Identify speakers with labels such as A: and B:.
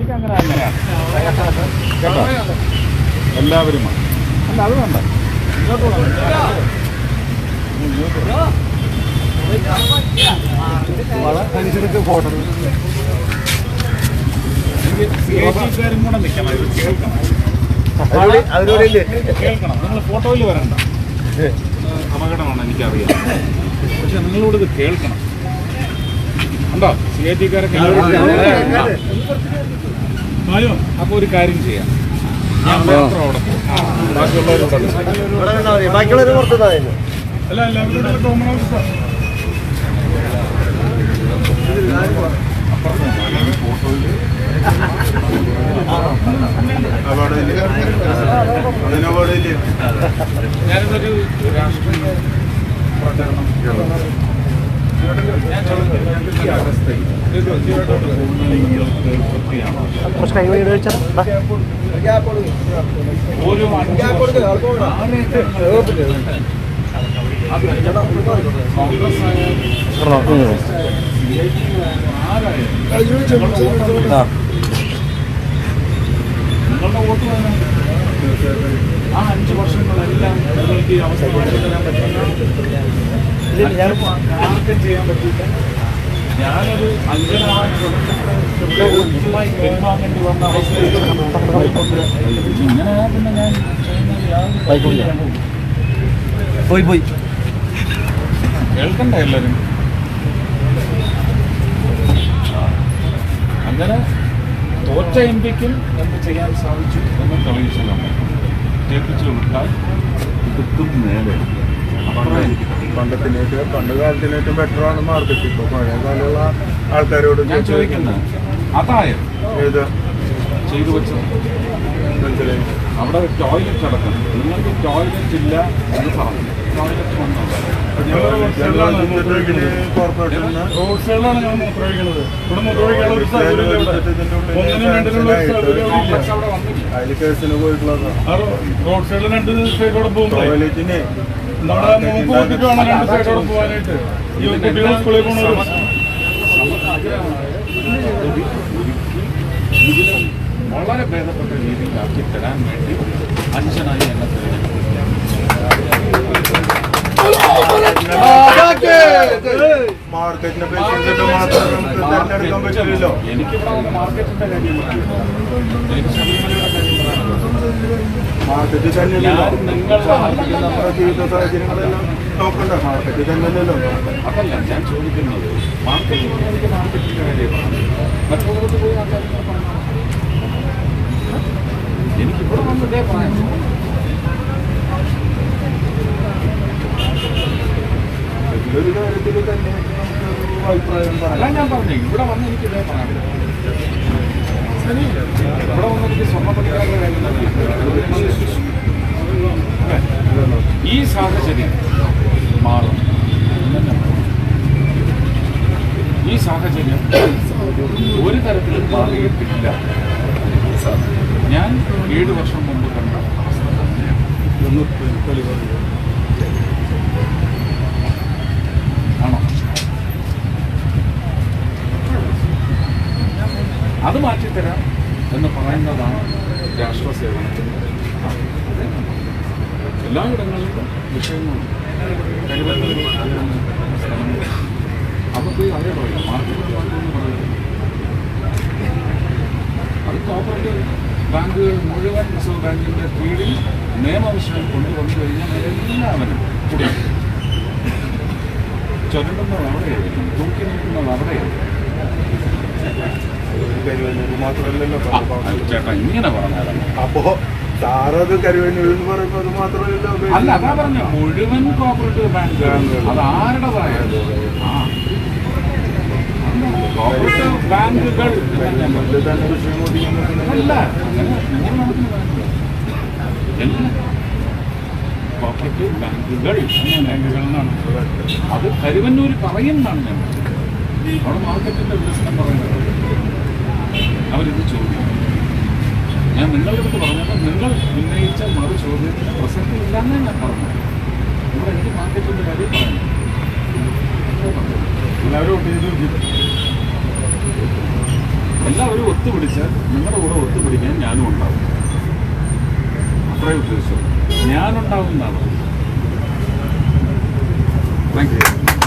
A: അങ്ങനെ തന്നെയാണ് കേട്ടോ. എല്ലാവരും അല്ല അത് വേണ്ട, അനുസരിച്ച് ഫോട്ടോ ും കൂടെ നിൽക്കണം, ഇത് കേൾക്കണം. കേൾക്കണം, നിങ്ങൾ ഫോട്ടോയിൽ വരണ്ട, അപകടമാണ് എനിക്കറിയാം. പക്ഷെ നിങ്ങളോട് ഇത് കേൾക്കണം. ഉണ്ടോ CIT-കാരൊക്കെ? അപ്പോൾ ഒരു കാര്യം ചെയ്യാം, ഞാൻ മാത്രം അവിടെ പോകും, ബാക്കിയുള്ളവർ അല്ല എല്ലാവരും കോമൺ ഓഫീസാണ്. ഞാനിതൊരു രാഷ്ട്രീയ പ്രചരണം നിങ്ങളുടെ വോട്ട് വേണം. ആ 5 വർഷങ്ങളെല്ലാം നിങ്ങൾക്ക് ഈ അവസ്ഥ തരാൻ പറ്റില്ല, ആർക്കും ചെയ്യാൻ പറ്റില്ല. ഞാനൊരു അഞ്ചനായി പെരുമാറേണ്ടി വന്ന അവസ്ഥയിൽ ഇങ്ങനെ പിന്നെ ഞാൻ പോയി കേൾക്കണ്ട എല്ലാവരും. അങ്ങനെ തോറ്റ MP-ക്കും എന്ത് ചെയ്യാൻ സാധിച്ചു എന്ന് തെളിയിച്ചതാണ്. ജയിപ്പിച്ചു വിട്ടാൽ ഇതും നേരെ
B: പണ്ട് കാലത്തിനേറ്റവും ബെറ്ററാണ് മാർക്കറ്റ്. ഇപ്പോൾ പഴയ കാലമുള്ള ആൾക്കാരോട്
A: ഞാൻ ചോദിക്കുന്നത് അതായത്
B: ഏത്
A: ചെയ്തു വെച്ചത്
B: മനസ്സിലായി.
A: അവിടെ ടോയ്ലറ്റ് അടക്കം, നിങ്ങൾക്ക് ടോയ്ലറ്റ് ഇല്ല എന്ന് പറഞ്ഞു. ടോയ്ലറ്റ് വന്നു
B: റോഡ് സൈഡിലാണ് ഞാൻ മൂത്രമൊഴിക്കുന്നത്. ഇവിടെ അതിൽ കേസിന് പോയിട്ടുള്ളതാണ്. റോഡ് സൈഡിൽ 2 സൈഡോടെ പോകും. ടോയ്ലറ്റിന് നമ്മുടെ മൂക്ക് നോക്കിയിട്ട് വേണം 2 സൈഡോടെ പോകാനായിട്ട്. ഈ കുട്ടികൾ സ്കൂളിൽ പോകുന്നത്
A: വളരെ ഭേദപ്പെട്ട രീതിയിലാക്കി തരാൻ വേണ്ടി അഞ്ചനായി എന്നെ
B: മാർക്കറ്റിനെ പേഷ്യൻസിന്റെ മാത്രം നമുക്ക് തിരഞ്ഞെടുക്കാൻ പറ്റില്ലല്ലോ.
A: എനിക്കിവിടെ മാർക്കറ്റിന്റെ കാര്യം എനിക്ക് ശബരിമലയുടെ കാര്യം
B: മാർക്കറ്റിൽ തന്നെയല്ലോ നമ്മുടെ ജീവിത സാഹചര്യങ്ങളെല്ലാം നോക്കണ്ട. മാർക്കറ്റിൽ തന്നെയല്ലോ.
A: അതല്ല ഞാൻ ചോദിക്കുന്നത്, മാർക്കറ്റിൽ എനിക്ക് മാർക്കറ്റിന്റെ കാര്യമാണ്. മറ്റുള്ളവർക്ക് പോയി ആ കാര്യങ്ങൾ പറഞ്ഞു. എനിക്കിവിടെ വന്ന് ഇതേ പറയാം.
B: ഒരു കാര്യത്തിൽ തന്നെ അഭിപ്രായം
A: അല്ല ഞാൻ പറഞ്ഞു, ഇവിടെ വന്ന് എനിക്ക് ഇതേ പറയാം. ഇവിടെ വന്ന് എനിക്ക് സ്വർണ്ണപ്പണിക്കാരുടെ കാര്യം ഈ സാഹചര്യം മാറും. ഈ സാഹചര്യം ഒരു തരത്തിലും മാറിയിട്ടില്ല. ഞാൻ 7 വർഷം മുമ്പ് കണ്ട അവസ്ഥ തന്നെയാണ്. ആണോ? അത് മാറ്റിത്തരാം എന്ന് പറയുന്നതാണ് രാഷ്ട്രസേവനത്തിന്. എല്ലായിടങ്ങളിലും വിഷയങ്ങളുണ്ട്. അവർക്ക് അതേ പറയില്ല, മാർക്കറ്റ് എന്ന് പറയുന്നത് അത് കോപ്പറേറ്റീവ് ബാങ്കുകൾ മുഴുവൻ റിസർവ് ബാങ്കിൻ്റെ കീഴിൽ നിയമവിഷയം കൊണ്ടുവന്നു കഴിഞ്ഞാൽ എല്ലാവരും കൂടി ചുരണ്ടുന്നത് അവിടെയായിരിക്കും, തൂക്കി നിൽക്കുന്നത് അവിടെയായിരിക്കും.
B: മാത്രമല്ലല്ലോ
A: ചേട്ടാ ഇങ്ങനെ പറഞ്ഞാലോ.
B: അപ്പോ സാറത് കരുവന്നൂരിൽ എന്ന് പറയുമ്പോൾ അത് മാത്രമല്ലല്ലോ.
A: അല്ല അതാ പറഞ്ഞ മുഴുവൻ കോപ്പറേറ്റീവ് ബാങ്ക് അത് ആരുടേതായത് കോപ്പറേറ്റീവ് ബാങ്കുകൾ അല്ല അങ്ങനെ എല്ലാം കോപ്പറേറ്റീവ് ബാങ്കുകൾ എന്നാണ് അത് കരുവന്നൂർ പറയുന്നതാണ്. ഞാൻ അവിടെ മാർക്കറ്റിന്റെ വികസനം പറയുന്നത് അവരിത് ചോദിക്കും. ഞാൻ നിങ്ങളുടെ അടുത്ത് പറഞ്ഞപ്പോൾ നിങ്ങൾ ഉന്നയിച്ച മറു ചോദ്യത്തിന് പ്രസക്തി ഇല്ലാന്നേ ഞാൻ പറഞ്ഞു. ഇവിടെ എനിക്ക് മാർക്കറ്റിന്റെ കാര്യം പറഞ്ഞു. എല്ലാവരും എല്ലാവരും ഒത്തുപിടിച്ചാൽ നിങ്ങളുടെ കൂടെ ഒത്തുപിടിക്കാൻ ഞാനും ഉണ്ടാവും. അത്രേ ഉദ്ദേശം. ഞാനുണ്ടാവും എന്നാണ്. Thank U.